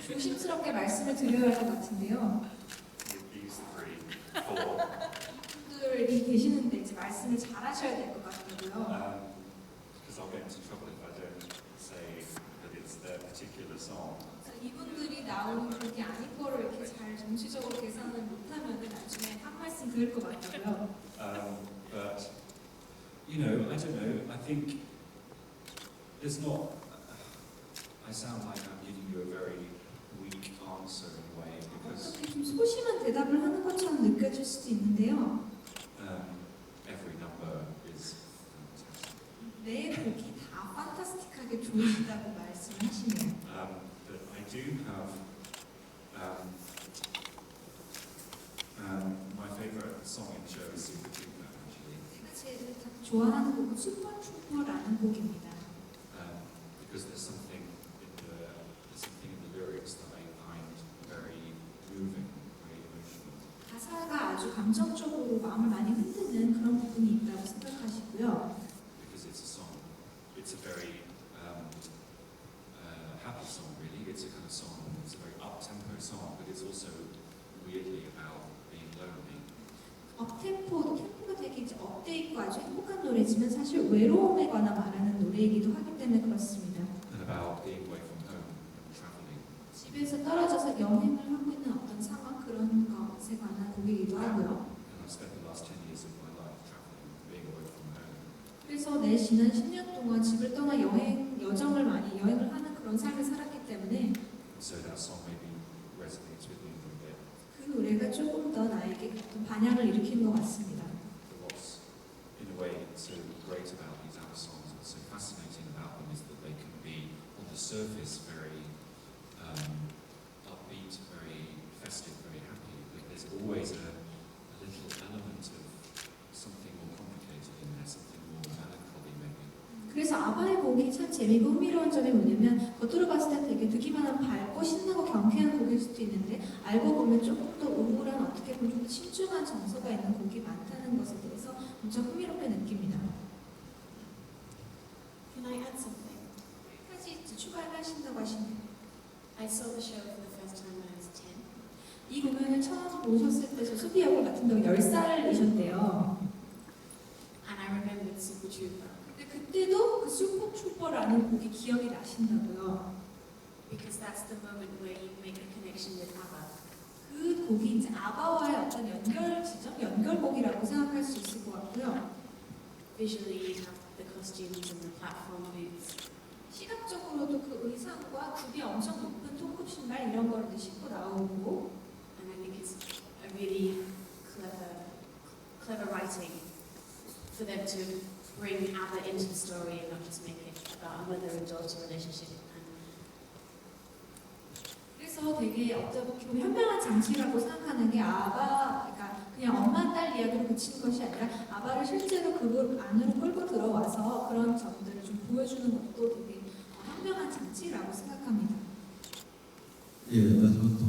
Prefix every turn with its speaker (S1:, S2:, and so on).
S1: 조심스럽게 말씀을 드려야 할 것 같은데요.
S2: These three, four.
S1: 분들이 계시는데 이제 말씀을 잘하셔야 될 것 같다고요.
S2: Because I'll get into trouble if I don't say that it's their particular song.
S1: 이분들이 나오는 곡이 아닌 거를 이렇게 잘 정치적으로 계산을 못하면 나중에 한 말씀 들을 것 같고요.
S2: But you know, I don't know. I think there's not. I sound like I'm giving you a very weak answer in a way because
S1: 어떻게 좀 소심한 대답을 하는 것처럼 느껴질 수도 있는데요.
S2: every number is fantastic.
S1: 내 곡이 다 판타스틱하게 좋으시다고 말씀하시네요.
S2: But I do have my favourite song in the show is Super Trooper, actually.
S1: 제가 제일 좋아하는 곡은 슈퍼트루퍼라는 곡입니다.
S2: Because there's something in the lyrics that I find very moving, very emotional.
S1: 가사가 아주 감정적으로 마음을 많이 흔드는 그런 부분이 있다고 생각하시고요.
S2: Because it's a song. It's a very happy song, really. It's a kind of song. It's a very up-tempo song, but it's also weirdly about being lonely.
S1: 템포가 되게 이제 업돼 있고 아주 행복한 노래지만 사실 외로움에 관한 말하는 노래이기도 하기 때문에 그렇습니다.
S2: And about being away from home and traveling.
S1: 집에서 떨어져서 여행을 하고 있는 어떤 상황 그런 것에 관한 곡이기도 하고요.
S2: And I've spent the last 10 years of my life traveling, being away from home.
S1: 그래서 내 지난 10년 동안 집을 떠나 여행을 하는 그런 삶을 살았기 때문에
S2: So that song maybe resonates with me a little bit.
S1: 그 노래가 조금 더 나에게 어떤 반향을 일으키는 것 같습니다.
S2: But what's in a way so great about these ABBA songs, what's so fascinating about them, is that they can be on the surface very upbeat, very festive, very happy, but there's always a little element of something more complicated in there, something more melancholy maybe.
S1: 그래서 아바의 곡이 참 재미있고 흥미로운 점이 뭐냐면 겉으로 봤을 때 되게 듣기만 하면 밝고 신나고 경쾌한 곡일 수도 있는데 알고 보면 조금 더 우울한 어떻게 보면 좀 신중한 정서가 있는 곡이 많다는 것에 대해서 엄청 흥미롭게 느낍니다.
S3: Can I add something?
S1: 한 가지 추가를 하신다고 하시네요.
S3: I saw the show for the first time when I was 10.
S1: 이 공연을 처음 보셨을 때 저 수비 역을 맡은 덕 10살이셨대요.
S3: And I remembered Super Trooper
S1: 근데 그때도 그 슈퍼트루퍼라는 곡이 기억이 나신다고요.
S3: because that's the moment where you make a connection with ABBA.
S1: 그 곡이 이제 아바와의 어떤 연결곡이라고 생각할 수 있을 것 같고요.
S3: Visually, you have the costumes and the platform boots.
S1: 시각적으로도 그 의상과 굽이 엄청 높은 통굽 신발 이런 거를 신고 나오고
S3: And I think it's a really clever writing for them to bring ABBA into the story and not just make it about a mother and daughter relationship.
S1: 그래서 되게 어떻게 보면 현명한 장치라고 생각하는 게 그러니까 그냥 엄마 딸 이야기로 그친 것이 아니라 아바를 실제로 그 안으로 끌고 들어와서 그런 점들을 좀 보여주는 것도 되게 현명한 장치라고 생각합니다.
S4: 예, 저는